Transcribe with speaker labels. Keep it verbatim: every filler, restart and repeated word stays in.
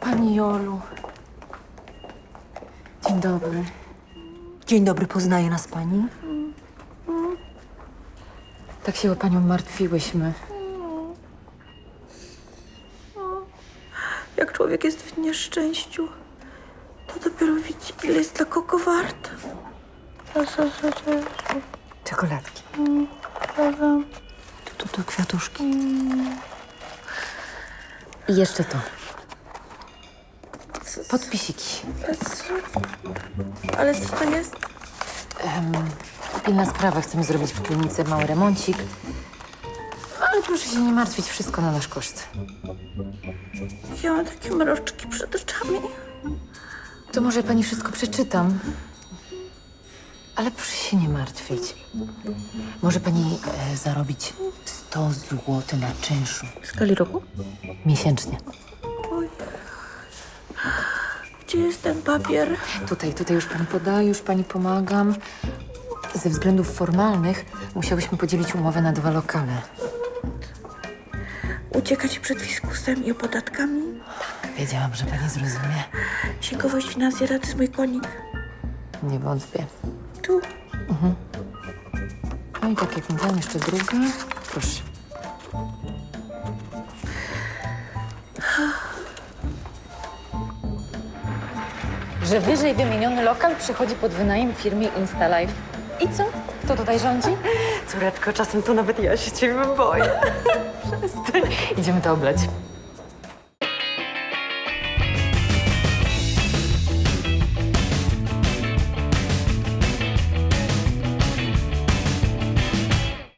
Speaker 1: Pani Jolu. Dzień dobry.
Speaker 2: Dzień dobry, poznaje nas pani?
Speaker 1: Tak się o panią martwiłyśmy.
Speaker 3: Jak człowiek jest w nieszczęściu, to dopiero widzi, ile jest dla kogo wart.
Speaker 1: Czekoladki.
Speaker 2: Tu, tu, tu kwiatuszki.
Speaker 1: I jeszcze to. Podpisiki.
Speaker 3: Ale co to jest?
Speaker 1: Um, pilna sprawa. Chcemy zrobić w klinice mały remoncik. Ale proszę się nie martwić, wszystko na nasz koszt.
Speaker 3: Ja mam takie mroczki przed oczami.
Speaker 1: To może pani wszystko przeczytam. Ale proszę się nie martwić. Może pani e, zarobić sto złotych na czynszu.
Speaker 3: W skali roku?
Speaker 1: Miesięcznie.
Speaker 3: Oj. Gdzie jest ten papier?
Speaker 1: Tutaj, tutaj już pani podaję, już pani pomagam. Ze względów formalnych musiałyśmy podzielić umowę na dwa lokale.
Speaker 3: Uciekać przed fiskusem i opodatkami?
Speaker 1: Wiedziałam, że pani zrozumie.
Speaker 3: Księgowość finansjera to jest mój konik.
Speaker 1: Nie wątpię.
Speaker 3: Tu.
Speaker 1: No i tak jak mówiłam, jeszcze druga. Proszę. Że wyżej wymieniony lokal przychodzi pod wynajem firmie InstaLife. I co? Kto tutaj rządzi?
Speaker 2: Córeczko, czasem to nawet ja się ciebie boję.
Speaker 1: Idziemy to oblać.